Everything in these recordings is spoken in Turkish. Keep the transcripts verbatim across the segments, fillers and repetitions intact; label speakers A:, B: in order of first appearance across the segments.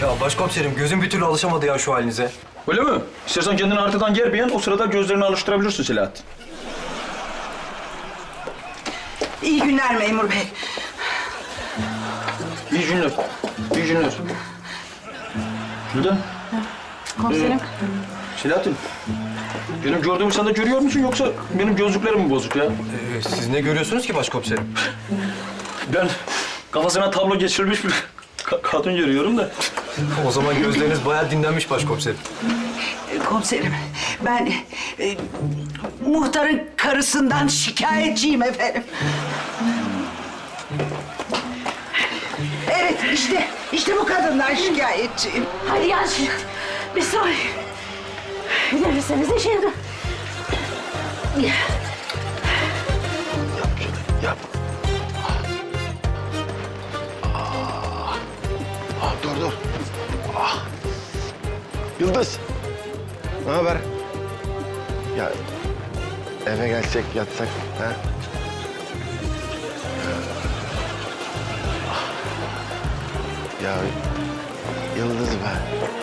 A: Ya başkomiserim gözüm bir türlü alışamadı ya şu halinize.
B: Öyle mi? İstersen kendini haritadan germeyen o sırada gözlerini alıştırabilirsin Selahattin.
C: İyi günler memur bey.
B: İyi günler. İyi günler. Gülden.
D: Komiserim.
B: Ee, Selahattin. Benim gördüğümü sen de görüyor musun yoksa benim gözlüklerim mi bozuk ya?
A: Ee, siz ne görüyorsunuz ki başkomiserim?
B: Ben kafasına tablo geçirmiş bir ka- kadın görüyorum da.
A: O zaman gözleriniz bayağı dinlenmiş başkomiserim.
C: Ee, Komiserim, ben e, muhtarın karısından şikayetçiyim efendim. Evet, işte, işte bu kadından şikayetçiyim.
D: Hadi gel şimdi. Bir saniye. Nefesinize şimdi.
E: Yap. Ah. Ah, dur dur. Ah. Yıldız. Ne haber? Ya eve gelsek yatsak ha? Ah. Ya Yıldız be.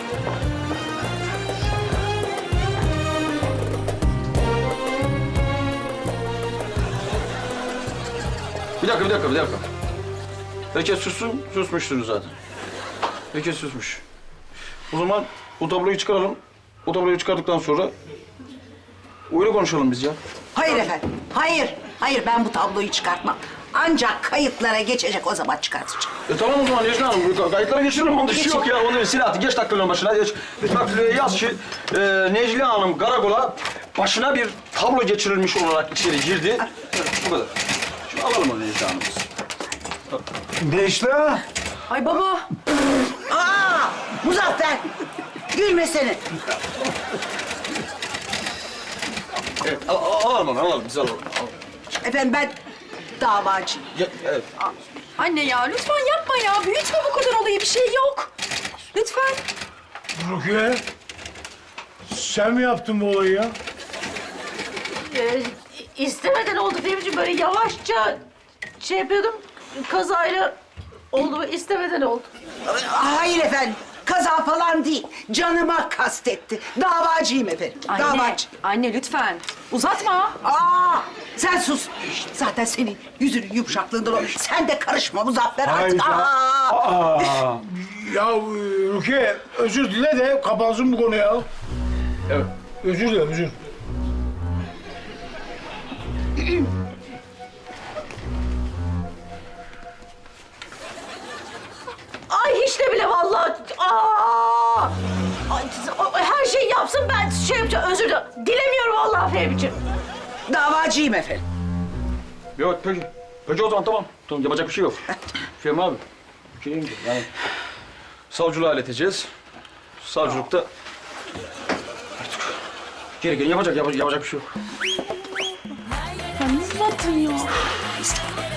B: Bir dakika, bir dakika, bir dakika. Herkes sussun, susmuşsunuz zaten. Herkes susmuş. O zaman o tabloyu çıkaralım. O tabloyu çıkardıktan sonra öyle konuşalım biz ya.
C: Hayır efendim, hayır. Hayır, ben bu tabloyu çıkartmam. Ancak kayıtlara geçecek, o zaman çıkartacağım.
B: E tamam o zaman Necla Hanım, bu kayıtlara geçirelim. Onda bir şey yok ya. Onu Selahattin geç dakikanın başına. Geç. Bak yaz ki e, Necla Hanım karakola başına bir tablo geçirilmiş olarak içeri girdi. Bu kadar. Şimdi alalım onu Necla Hanım.
E: Necla.
D: Ay baba.
C: Aa, Muzaffer, gülmesene.
B: Evet, al, al, alalım onu, alalım. Biz alalım. alalım.
C: Efendim ben davacıyım.
B: Ya, evet.
D: Anne ya lütfen yapma ya. Büyütme bu kadar olayı. Bir şey yok. Lütfen.
F: Rukiye, sen mi yaptın bu olayı ya?
G: Ee, istemeden oldu Fehmi'ciğim. Böyle yavaşça şey yapıyordum. Kazayla oldu. istemeden oldu.
C: Hayır efendim, kaza falan değil. Canıma kastetti. Davacıyım efendim,
D: Anne.
C: davacı.
D: Anne lütfen. Uzatma.
C: Aa, sen sus. Zaten senin yüzünün yumuşaklığından o. Sen de karışma Muzaffer artık.
F: Hayda.
C: Aa.
F: Aa, ya e, Rukiye, özür dile de kapansın bu konu ya.
B: Evet.
F: Özür dile, özür.
G: Ay hiç de bile vallahi. Aa! Ay, her şeyi yapsın ben şey yapacağım. Özür dilerim. Dilemiyorum vallahi Fehmi'ciğim.
C: Davacıyım efendim.
B: Yok peki. Peki o zaman tamam. Tamam yapacak bir şey yok. Fehmi abi. Bir şey diyeyim ki, yani savcılığa ileteceğiz. Savcılıkta artık gerekeni yapacak, yapacak, yapacak bir şey yok.
D: Ya ne uzattın ya?